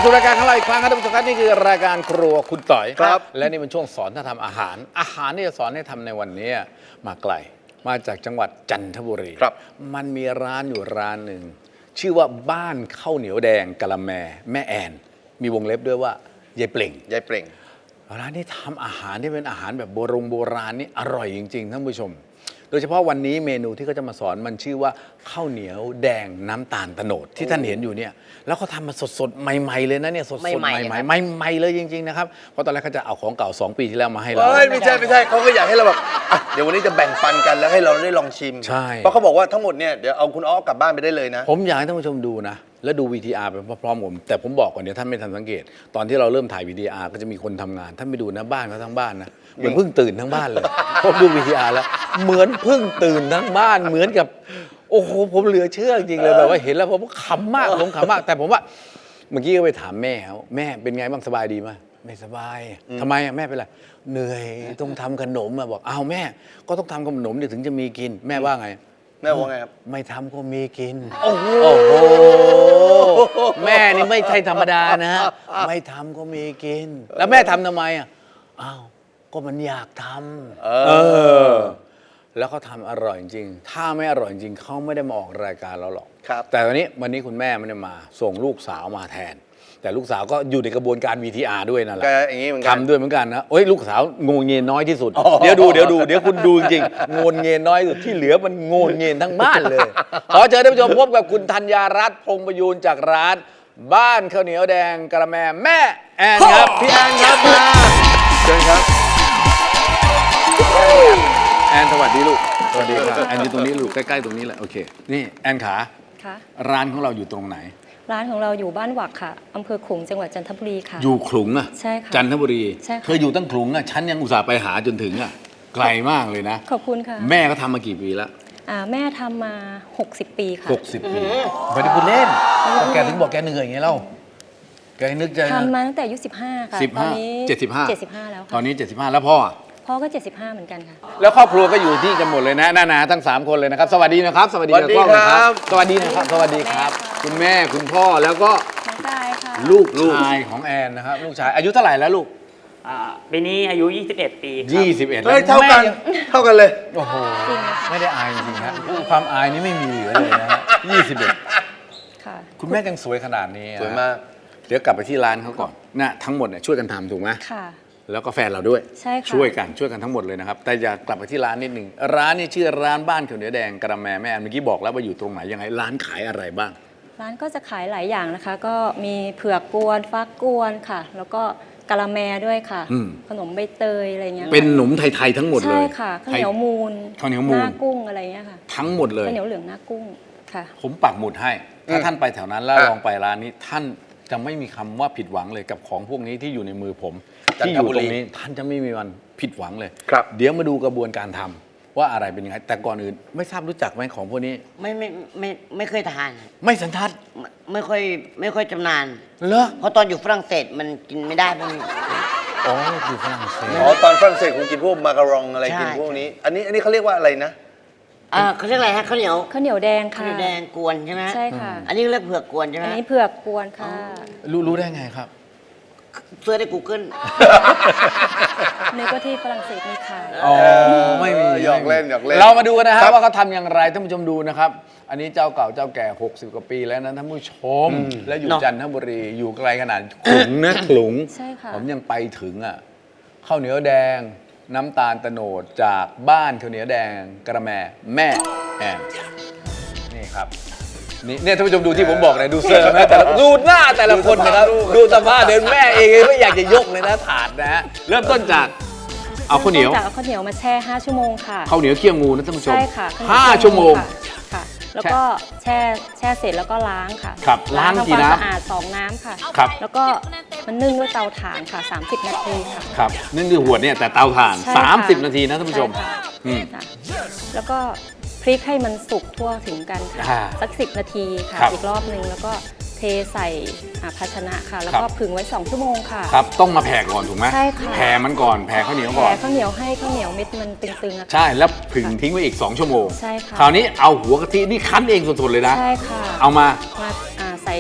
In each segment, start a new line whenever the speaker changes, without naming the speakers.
สู่รายการของเราอีกครั้งครับท่านผู้ชมครับนี่คือรายการครัวคุณต่อย
ครับ
และนี่เป็นช่วงสอนท่าทำอาหารที่จะสอนให้ทำในวันนี้มาไกลมาจากจังหวัดจันทบุรี
ครับ
มันมีร้านอยู่ร้านหนึ่งชื่อว่าบ้านข้าวเหนียวแดงกะละแมแม่แอนมีวงเล็บด้วยว่ายายเปล่ง
ยายเปล่ง
ร้านนี้ทำอาหารที่เป็นอาหารแบบโบราณนี่อร่อยจริงๆท่านผู้ชม โดยเฉพาะวันนี้เมนูที่เขาจะมาสอนมันชื่อว่าข้าวเหนียวแดงน้ำตาลโตนดที่ท่านเห็นอยู่เนี่ยแล้วเขาทำมาสดๆใหม่ๆเลยนะเนี่ยสดๆใหม่ๆใหม่ๆเลยจริงๆนะครับเพราะตอนแรกเขาจะเอาของเก่า2 ปีที่แล้วมาให้เรา
ไม่ใช่เขาก็อยากให้เราแบบอ่ะเดี๋ยววันนี้จะแบ่งปันกันแล้วให้เราได้ลองชิม
ใช่
เพราะเขาบอกว่าทั้งหมดเนี่ยเดี๋ยวเอาคุณอ้อกลับบ้านไปได้เลยนะ
ผมอยากให้ท่านผู้ชมดูนะแล้วดู VTR ไปพร้อมๆผมแต่ผมบอกก่อนเดี๋ยวท่านไม่ทันสังเกต ตอนที่เราเริ่มถ่าย VTR ก็จะมีคนทำงานท่านไปดูนะบ้านเขาทั้งบ้านนะเหมือนเพิ่งตื่นทั้งบ้านเลยผมดู VTR แล้วเหมือนเพิ่งตื่นทั้งบ้านเหมือนกับโอ้โหผมเหลือเชื่อจริงๆเลยแบบว่าเห็นแล้วผมขำมากผมขำมากแต่ผมว่าเมื่อกี้ก็ไปถามแม่เขาแม่เป็นไงบ้างสบายดีไหมไม่สบายทำไมแม่เป็นไรเหนื่อยต้องทำขนมบอกอ้าวแม่ก็ต้องทำขนมถึงจะมีกินแม่ว่าไง
แม่ว่าไงครับ
ไม่ทำก็มีกิน
โอ้โห
แม่นี่ไม่ใช่ธรรมดานะฮะ ไม่ทำก็มีกิน แล้วแม่ทำทำไมอ่ะ อ้าว ก็มันอยากทำแล้วเขาทำอร่อยจริง ถ้าไม่อร่อยจริงเขาไม่ได้มาออกรายการเราหรอก
ครับ
แต่วันนี้คุณแม่ไม่ได้มา ส่งลูกสาวมาแทน แต่ลูกสาวก็อยู่ในกระบวนการ VTR ด้วยนั่นแหละ
ก็อย่างนี้เหมือนกัน
ทำด้วยเหมือนกันนะโอ้ยลูกสาวงงเงียนน้อยที่สุด เดี๋ยวคุณดูจริงๆงงเงียนน้อยที่สุดที่เหลือมันงงเงียนทั้งบ้านเลย ขอเชิญท่านผู้ชมพบกับคุณธัญญารัตน์พงษ์ประยูนจากร้าน บ้านข้าวเหนียวแดงกระแมแม่แอนครับพี่แอนครับมา
เชิญครับ
แอนสวัสดีลูกสวัสดีครับแอนอยู่ตรงนี้ลูกใกล้ๆตรงนี้แหละโอเคนี่แอนขา
ค่ะ
ร้านของเราอยู่ตรงไหน
ร้านของเราอยู่บ้านหวักค่ะอำเภอขลุงจังหวัดจันทบุรีค่ะ
อยู่ขลุงอ่ะ
ใช่ค่ะ
จันทบุรี
ใช่ค่ะ
เธออยู่ตั้งขลุงอ่ะฉันยังอุตส่าห์ไปหาจนถึงอ่ะไกลมากเลยนะ
ขอบคุณค่ะ
แม่ก็ทำมากี่ปีแล้ว
แม่ทำมา 60 ปีค่ะ
60 ปีไม่ได้พูดเล่นก็แกถึงบอกแกเหนื่อยไงเล่าแกนึกจะ
ทำมาตั้งแต่อายุ15 ค่ะ
15
ตอนนี้
75
75 แล้ว
ตอ
ค่ะ
นนี้ 75 แล้วพ่ออะ
พ่อก็ 75 เหมือนกันค่ะ
แล้วครอบครัวก็อยู่ที่กันหมดเลยนะนาทั้ง 3 คนเลยนะครับ สวัสดีนะครับ สวัสดี
สวัสดี
กับกล้องนะ
ครับ
สวัสดีนะครับ สวัสดีครับ
แม่ค่ะ
คุณแม่คุณพ่อแล้วก็
น้องกายค่ะ
ลูกชายของแอนนะครับ ลูกชายอายุเท่าไหร่แล้วลูก
ปีนี้อายุ 21 ปีครับ
21
เฮ้ย
แล้ว
เท่ากันเลย
โอ้โหไม่ได้อายจริงๆฮะความอายนี่ไม่มีเหลือเลยนะฮะ21
ค่ะ
คุณแม่ยังสวยขนาดนี้อะ
สวยมาก
เดี๋ยวกลับไปที่ร้านเขาก่อนนะทั้งหมดเนี่ยช่วยกันทำถูกไหม
ค่ะ
แล้วก็แฟนเราด้วย
ใช่ค่ะ
ช่วยกันทั้งหมดเลยนะครับ แต่อย่ากลับไปที่ร้านนิดหนึ่งร้านนี้ชื่อร้านบ้านข้าวเหนียวแดงกระแมแม่แอนเมื่อกี้บอกแล้วว่าอยู่ตรงไหนยังไงร้านขายอะไรบ้าง
ร้านก็จะขายหลายอย่างนะคะ ก็มีเผือกกวนฟักกวนค่ะ แล้วก็กะละแมด้วยค่ะ
อืม
ขนมใบเตยอะไรเงี้ยค่ะ
เป็นขนมไทยๆทั้งหมดเล
ใช่
ย
ค่ะข้าวเหนียวมูล
ข้าวเหนียวมูล
หน้ากุ้งอะไรเงี้ยค่ะ
ทั้งหมดเลย
ข้าวเหนียวเหลืองหน้ากุ้งค่ะ
ผมปักหมุดให้ ถ้าท่านไปแถวนั้นแล้ว
อ่ะ
ลองไปร้านนี้ ท่านจะไม่มีคำว่าผิดหวังเลยกับของพวกนี้ที่อยู่ในมือผม
จัน
ที่
ท
อยู่
บุ
ต
รี
รงนี้ท่านจะไม่มีวันผิดหวังเลย
ครับ
เดี๋ยวมาดูกระบวนการทำว่าอะไรเป็นยังไงแต่ก่อนอื่นไม่ทราบรู้จักไหมของพวกนี้
ไม่เคยทาน
ไม่สันทัด
ไม่ค่อยจำนาน
เหรอ
เพราะตอนอยู่ฝรั่งเศสมันกินไม่ได้มัน
อ๋ออยู่ฝรั่งเศส
อ๋อตอนฝรั่งเศสคุณกินพวกมาการองอะไร
ใช่
กินพวกนี้ อันนี้เขาเรียกว่าอะไรนะ
เขาเรียกอะไรฮะข้าวเหนียว
ข้าวเหนียวแดง
ข้าว
ค่ะ
เหนียวแดงกวนใช่ไหม
ใช่ค่ะ
อันนี้เรียกเผือกกวนใช่ไหม
อันนี้เผือกกวนค่ะ
รู้ได้ไงครับ
เสื้อใน Google
นึกว่าที่ฝรั่งเศสมีขาย
อ๋อไม่มี
หยอกเล่นหยอกเล่น
เรามาดูกันนะฮะ
ครับ
ว่าเขาทำอย่างไรท่านผู้ชมดูนะครับ อันนี้เจ้าเก่าเจ้าแก่ 60 กว่าปีแล้วนะท่านผู้ชม และอยู่
เนอะ
จันทบุรีอยู่ไกลขนาดขลุงนะขลุง
ใช่ค่ะ
ผมยังไปถึงอ่ะข้าวเหนียวแดง น้ำตาลโตนดจากบ้านข้าวเหนียวแดงกระแมแม่แอนนี่ครับนี่เนี่ยท่านผู้ชมดูที่ผมบอกเลยดูเซอร์ไหมแต่ละดูหน้าแต่ละคนนะครับดูสภาพเดินแม่เองไม่อยากจะยกเลยนะถาดนะฮะเริ่มต้นจากเอาข้าวเหนียว
จากเอาข้าวเหนียวมาแช่ 5 ชั่วโมงค่ะ
ข้าวเหนียวเคี่ยวงูนะท่านผู้ชม
ใช่ค่ะข้าวเหนียว
5 ชั่วโมง
ค่ะ แล้วก็แช่เสร็จแล้วก็ล้างค่ะ
ครับล้าง
ทำ
กี่
ความ
น้ำ
สะอาด2 น้ำค่ะ
ครับ
แล้วก็มันนึ่งด้วยเตาถ่านค่ะ 30 นาทีค่ะ
ครับนึ่งด้วยหัวเนี่ยแต่เตาถ่าน
ใช่ค่ะ
30 นาทีนะท่านผู้ชม
ใค่ะ
อืม
ค่ะแล้วก็พลิกให้มันสุกทั่วถึงกันค่ะ
อ่า
สัก 10 นาทีค่ะ
ครับ
อีกรอบนึงแล้วก็เทใส่ภาชนะค่ะ แล้ว
ค
ก็
รับ
ผึ่งไว้ 2 ชั่วโมงค่ะ
ครับต้องมาแผ่ก่อนถูกไหม
ใช่ค่ะ
แผ่มันก่อนแผ่ข้าวเหนียว
แผ่
ก่อน
ข้าวเหนียวให้ข้าวเหนียวเม็ดมันตึงๆอะค่ะ
ใช่แล้วผึ่งทิ้งไว้อีก 2 ชั่วโมง
ใช่ค่ะ
คราวนี้เอาหัวกะทินี่คั้นเองสดๆเลยนะ
ใช่ค่ะ
เอามา
มาใส่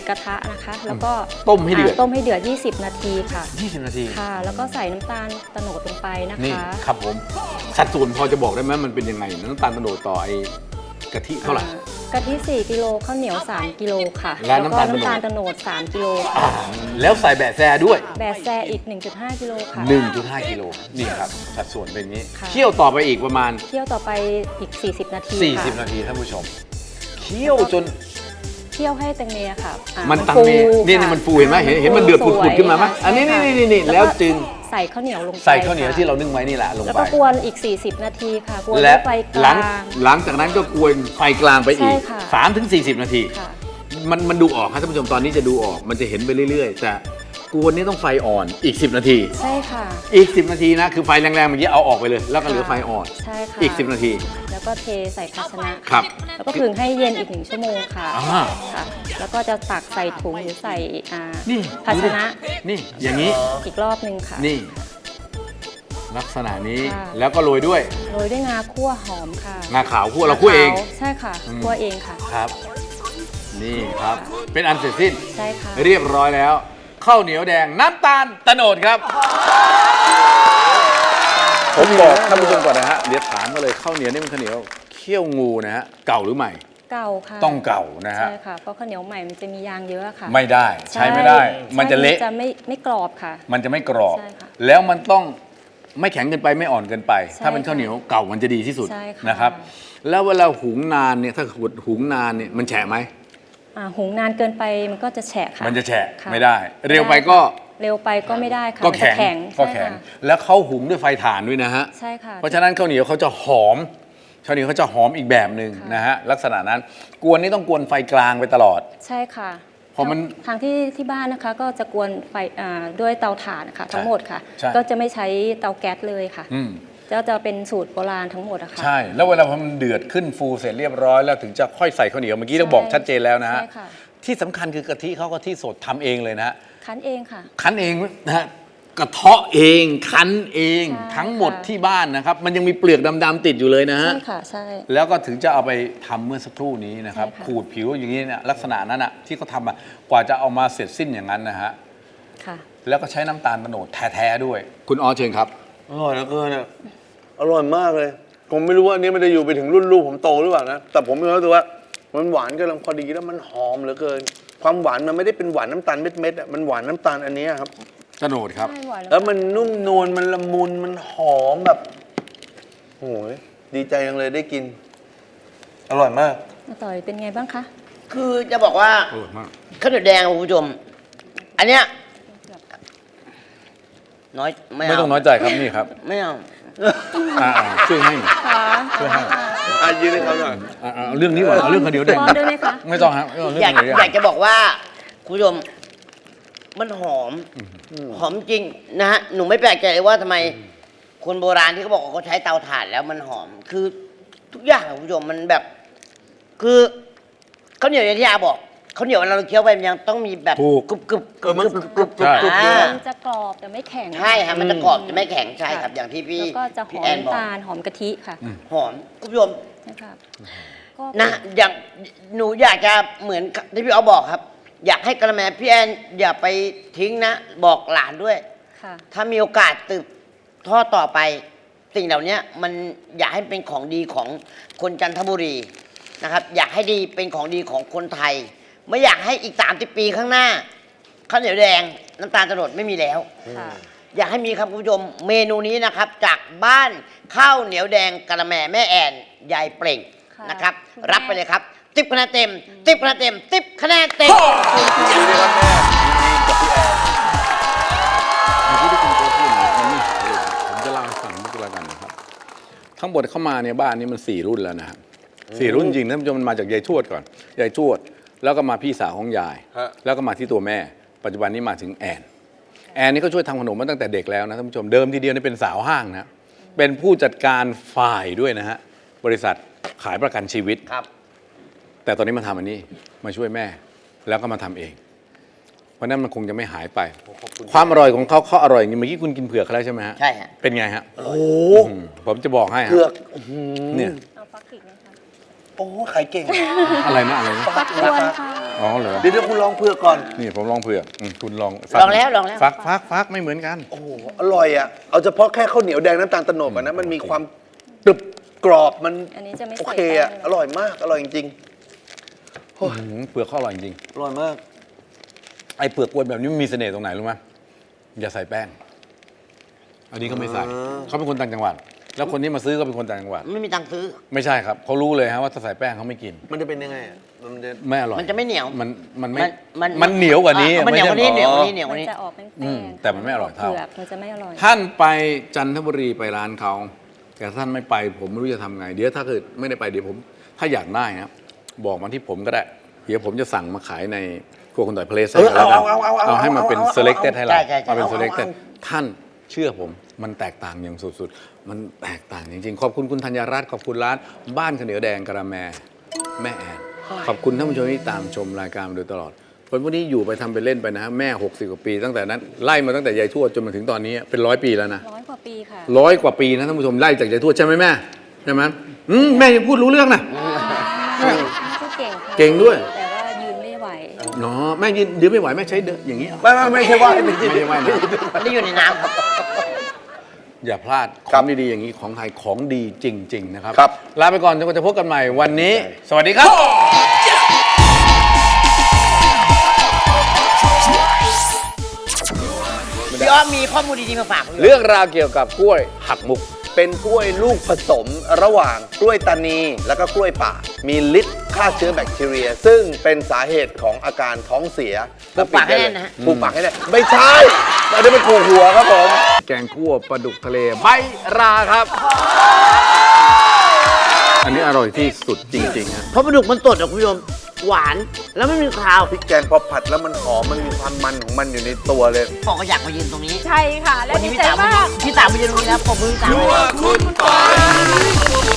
กระทะนะคะ แล้วก็
ต้มให้เดือด
ต้มให้เดือด 20 นาทีค่ะ
20 นาที
ค่ะ แล้วก็ใส่น้ำตาลโตโนดลงไปนะ
นี่
คะ
ครับผมสัดส่วนพอจะบอกได้ไหมมันเป็นยังไงน้ำตาลโตโนดต่อไอ้กะทิเท่าไหร่
กะทิ4กิโลข้าวเหนียว3กิโลค่ะ
และ
แล้ว
น้ำ
ก็
ตาลโตโนด
น้ำตาลโตโนด3กิโล
อ่า
ค่ะ
แล้วใส่แบะแซด้วย
แบะแซอีก 1.5 กิโลค่ะ
1.5 กิโลนี่ครับสัดส่วนเป็นอย่างนี้
ค่ะ
เคี่ยวต่อไปอีกประมาณ
เคี่ยวต่อไปอีก 40 นาทีค่ะ
40 นาทีท่านผู้ชมเคี่ยวจน
เคี่ยวให้แตงเมค่ะ
มันตังเม
ค่ะ
นี่มันฟูเห็นไหมเห็นมันเดือด
ฟูสวย
ปุดๆขึ้นมาไหม
ค่ะ
อันนี้
ใช่ค่ะ
นี่แล้วจึง
ใส่ข้าวเหนียวลงไป
ใส่ข้าวเหนียว
ค่ะ
ที่เรานึ่งไว้นี่แหละลง
แล้ว
ไป
ก็กวนอีก 40 นาทีค่ะกวน
และ
ด้วยไฟก
หลั
ลาง ง
หลังจากนั้นก็กวนไฟกลางไปอีก
ใช่ค่ะ
3-40 นาที
ค่ะ
มันดูออกครับท่านผู้ชมตอนนี้จะดูออกมันจะเห็นไปเรื่อยๆ แต่กวนนี่ต้องไฟอ่อนอีก 10 นาที
ใช่ค่ะ
อีก 10 นาทีนะคือไฟแรงๆเมื่อกี้เอาออกไปเลย แล้วก็เหลือไฟอ่อน
ใช่ค่ะ
อีก 10 นาที
แล้วก็เทใส่ภาชนะครับ แล้วก็ผึ่งให้เย็นอีก1 ชั่วโมงค่ะ
อ่า
ค่ะ แล้วก็จะตักใส่ถุงหรือใส่
นี่
ภาชนะ
นี่อย่างนี้
อีกรอบหนึ่งค่ะ
นี่ ลักษณะนี้
ค่ะ
แล้วก็โรยด้วย
โรยด้วยงาคั่วหอมค่ะ
งาขาวคั่วเราคั่วเอง
ใช่ค่ะ
อืม
คั่วเองค่ะ
ครับ นี่ครับ เป็นอันเสร็จสิ้น
ใช่ค่ะ
เรียบร้อยแล้วข้าวเหนียวแดงน้ำตาลโตโนดครับ ผมบอกท่านผู้ชมก่อนนะฮะเดี๋ยวถามมาเลยข้าวเหนียวนี่มันข้าวเหนียวเคี่ยวงูนะฮะเก่าหรือใหม่
เก่าค่ะ
ต้องเก่านะฮะ
ใช่ค่ะ เพราะข้าวเหนียวใหม่มันจะมียางเยอะค่ะ
ไม่ได้ใช้ไม่ได้ มันจะเละ
จะไม่กรอบค่ะ
มันจะไม่กรอบ
ใช่ค่ะ
แล้วมันต้องไม่แข็งเกินไปไม่อ่อนเกินไป
ใช่
ถ้าเป็นข้าวเหนียวเก่ามันจะดีที่สุด
ใช่ค่ะ
นะครับ แล้วเวลาหุงนานเนี่ยถ้าหุงนานเนี่ยมันแฉะไหม
หุงนานเกินไปมันก็จะแฉะค่ะ
มันจะแฉะ
ค่
ไม่ได้ เร็วไปก็
เร็วไปก็ไม่ได้ค่ะ
ก็
มันจะ
แข็งก็
ใช่
แข็ง
ค่ะ
แล้วเขาหุงด้วยไฟถ่านด้วยนะฮะ
ใช่ค่ะ
เพราะฉะนั้นข้าวเหนียวเขาจะหอมข้าวเหนียวเขาจะหอมอีกแบบหนึ่ง
ค่ะ
นะฮะลักษณะนั้นกวนนี่ต้องกวนไฟกลางไปตลอด
ใช่ค่ะ
พอมัน
ทางที่บ้านนะคะ ก็จะกวนไฟด้วยเตาถ่านนะคะทั้งหมดค่ะ
ใช่
ก็จะไม่ใช้เตาแก๊สเลยค่ะ
อืม
จะเป็นสูตรโบราณทั้งหมดอะค่ะ
ใช่ แล้วเวลาพอมันเดือดขึ้นฟูเสร็จเรียบร้อยแล้วถึงจะค่อยใส่ข้าวเหนียวเมื่อกี้เราบอกชัดเจนแล้วนะฮะ
ใช่ค่ะ
ที่สำคัญคือกะทิเขากะทิสดทำเองเลยนะฮะ
คั้นเองค่ะ
คั้นเองนะฮะกระเทาะเองคั้นเอง
ใช่
ทั้งหมด
ค่ะ
ที่บ้านนะครับ มันยังมีเปลือกดำๆติดอยู่เลยนะฮะ
ใช่ค่ะใช่
แล้วก็ถึงจะเอาไปทำเมื่อสักครู่นี้นะครับ
ใช่ค่ะ
ขูดผิวอย่างนี้เนี่ยลักษณะนั้นอ่ะที่เขาทำอ่ะกว่าจะเอามาเสร็จสิ้นอย่างนั้นนะฮะ
ค่ะ
แล้วก็ใช้น้ำตาลโตโนดแท้ๆด้วย คุณออเชิญครับ
อร่อยเหลือเกินอ่ะอร่อยมากเลย ผมไม่รู้ว่าอันนี้มันจะอยู่ไปถึงรุ่นลูกผมโตหรือเปล่านะ แต่ผมมีความรู้สึกว่ามันหวานกำลังพอดีแล้วมันหอมเหลือเกิน ความหวานมันไม่ได้เป็นหวานน้ำตาลเม็ดๆอ่ะ มันหวานน้ำตาลอันนี้ครับ
โตโนดครับ
ใช่หวาน
แล้วมันนุ่มนวล มันละมุน มันหอมแบบโอ้ยดีใจจังเลยได้กิน อร่อยมาก
อาต่อยเป็นไงบ้างคะ
คือจะบอกว่า
อร่อยมาก
ข้าวเหนียวแดงคุณผู้ชม อันเนี้ยน้อยไม่
ไม่
เอา
ต้องน้อยใจครับนี่ครับ
ไม่เอา
ช่วยให้หน่อย
ค่ะ
ช่วยให้
อ่ะยืนให้เขาหน่อย
เอาเรื่องนี้ก่อนเอาเรื่องข้าวเหนียวแดง
ป้อนด้วยไหมคะ
ไม่ต้องครับเอาเรื่อง
อยาก
ข้าวเหนียวแดง
อยากจะบอกว่าคุณผู้ชมมันหอม หอมจริงนะฮะหนูไม่แปลกใจเลยว่าทำไมคนโบราณที่เขาบอกว่าเขาใช้เตาถ่านแล้วมันหอม คือทุกอย่างอะคุณผู้ชมมันแบบ คือข้าวเหนียวอย่างที่อาบอกข้าวเหนียวเวลาเราเคี้ยวไปมันยังต้องมีแบบ
ถูก
กรุบกรุบกรุบ
มัน
กรุบกรุบ
ใช่
กรุบ
มันจะกรอบแต่ไม่แข็ง
ใช่ฮะมันจะกรอบจะไม่แข็งใช่ครับ อย่างที่พี่
แล้วก็จะห
พี่
อม
แอนบอก
น้ำตาลหอมกะทิค่ะ
หอมคุณผู้ชม
นะครับก็
นะอย่างหนูอยากจะเหมือนที่พี่เอาบอกครับ อยากให้กระแมพี่แอนอย่าไปทิ้งนะ บอกหลานด้วย
ค่ะ
ถ้ามีโอกาสสืบทอดต่อไป สิ่งเหล่านี้มันอยากให้เป็นของดีของคนจันทบุรีนะครับ อยากให้ดีเป็นของดีของคนไทย ไม่อยากให้อีก30 ปีข้างหน้าข้าวเหนียวแดงน้ำตาลโตโนดไม่มีแล้ว
ค่ะ
อยากให้มีครับคุณผู้ชมเมนูนี้นะครับ จากบ้านข้าวเหนียวแดงกะละแมแม่แอนยายเปล่ง
ค่ะ
นะครับ
คุณแม่
รับไปเลยครับ10 คะแนนเต็ม10 คะแนนเต็ม10 คะแนนเต็ม
เมื่อกี้ที่คุณโค้ชพูดนะมันไม่หายเลยผมจะเล่าให้ฟังนิดละกันนะครับ ทั้งหมดเข้ามาเนี่ยบ้านนี้มัน4 รุ่นแล้วนะครับ4 รุ่นจริงท่านผู้ชมมันมาจากยายทวดก่อนยายทวดแล้วก็มาพี่สาวของยาย
ฮะ
แล้วก็มาที่ตัวแม่ ปัจจุบันนี้มาถึงแอนนี่ก็ช่วยทำขนมมาตั้งแต่เด็กแล้วนะท่านผู้ชมเดิมทีเดียวนี่เป็นสาวห้างนะเป็นผู้จัดการฝ่ายด้วยนะฮะบริษัทขายประกันชีวิต
ครับ
แต่ตอนนี้มาทำอันนี้มาช่วยแม่แล้วก็มาทำเอง เพราะนั้นมันคงจะไม่หายไป ความอร่อยของเขาอร่อยอย่างนี้เมื่อกี้คุณกินเผือกเขาแล้วใช่ไหมฮะ
ใช่ฮะ
เป็นไงฮะ
โอ้โห
ผมจะบอกให้ฮะ
เผือก
เนี่ย
เอาฟักอีกนะคะ
โอ้ขายเก่ง
อะไรนะอะไรนะ
ฟักกวนค่ะ
อ๋อเหรอ
เดี๋ยวคุณลองเผือกก่อน
นี่ผมลองเผือกคุณลอง
ลองแล้วลองแล้ว
ฟักไม่เหมือนกัน
โอ้โหอร่อยอ่ะเอาเฉพาะแค่ข้าวเหนียวแดงน้ำตาลโตนดอะนะมันมีความกรึบกรอบมัน
อันนี้จะไม่
โอ
ใส่
เคอ่ะ
แป้ง
อร่อยมากอร่อยจริง
เปลือกเขาอร่อยจริง
ๆอร่อยมาก
ไอ้เปลือกกวนแบบนี้มันมีเสน่ห์ตรงไหนรู้ไหมอย่าใส่แป้ง อันนี้เขาไม่ใส่ เขาเป็นคนต่างจังหวัด แล้วคนที่มาซื้อก็เป็นคนต่างจังหวัด
ไม่มีตังค์ซื้อ
ไม่ใช่ครับ เขารู้เลยฮะว่าถ้าใส่แป้งเขาไม่กิน
มันจะเป็นยังไงอ่ะมันจะ
ไม่อร่อย
มันจะไม่เหนียว
มันไม่
มัน
มันเหนียวกว่านี้
มันเหนียวกว่านี้
ไม่
เหนียวกว่า
ใช่
นี้เหนียวก
มั
ว่าน นี้
จะออกเป็น
อื
แป้
ม
ง
แต่มันไม่อร่อยเท่า
เผือกมันจะไม่อร่อย
ท่านไปจันทบุรีไปร้านเขาแต่ท่านไม่ไปผมไม่รู้จะทำไง เดี๋ยวถ้าเกิดไม่ได้ไปเดี๋ยวผมถ้าอยากได้นะบอกมาที่ผมก็ได้ เดี๋ยวผมจะสั่งมาขายในครัวคนต่อยเพลสให้กันแล้วกันเอาให้มันเป็น selected ให้เรา
ใช่
มาเป็น selected ท่านเชื่อผมมันแตกต่างอย่างสุดๆ มันแตกต่างจริงๆ ขอบคุณคุณธัญรัตน์ขอบคุณร้านบ้านข้าวเหนียวแดงกระแมแม่แอนขอบคุณท่านผู้ชมที่ตามชมรายการมาโดยตลอดคนพวกนี้อยู่ไปทำไปเล่นไปนะแม่60กว่าปี ตั้งแต่นั้นไล่มาตั้งแต่ยายทวดจนมาถึงตอนนี้เป็น100 ปีแล้วนะ
100 กว่าปีค่ะ
100 กว่าปีนะท่านผู้ชมไล่จากยายทวดใช่ไหมแม่ใช่ไหมแม่ยังพูดรู้เรื่องนะ
ไม่ก็เก่งค่ะ
เก่งด้วย
แต่ว่ายืนไม่ไหว
เนาะแม่ยืนไม่ไหวแม่ใช้เดินอย่างนี้เหรอ
ไม่ใช่ว่าให้เป็น
ไม่ใช่ว่านะ
ไม่ได้อยู่ในน้ำครับ
อย่าพลาดข
ครั
อง
บ
ดีๆอย่างนี้ของไทยของดีจริง ๆ นะครับ
ครับ
ลาไปก่อนจนกว่าจะพบกันใหม่วันนี้ สวัสดีครับ
พี่อ้อมมีข้อมูลดีๆมาฝากผมอยู่
เรื่องราวเกี่ยวกับกล้วยหักมุก
เป็นกล้วยลูกผสมระหว่างกล้วยตานีแล้วก็กล้วยป่า มีฤทธิ์ฆ่าเชื้อแบคทีเรีย ซึ่งเป็นสาเหตุของอาการท้องเสีย
ปลูกปากให้แน่นนะฮะ
ปลูกปากให้แน่นไม่ใช่เราได้เป็นปลูกหัวครับผม
แกงคั่วปลาดุกทะเลใบราครับ อันนี้อร่อยที่สุดจริงๆฮะ
เพราะปลาดุกมันสดอะคุณผู้ชมหวานแล้วไม่มีคาว
พริกแกงพอผัดแล้วมันหอมมันมีความมันของมันอยู่ในตัวเลย
บอกก็อยากมายืนตรงนี้
ใช่ค่ะ และ
วัน
ดี
นี้พี่
ใจ
ตาม
มาก
พี่ตามมายืนตรงนี้แล้วผมมือตาม
คุณปอย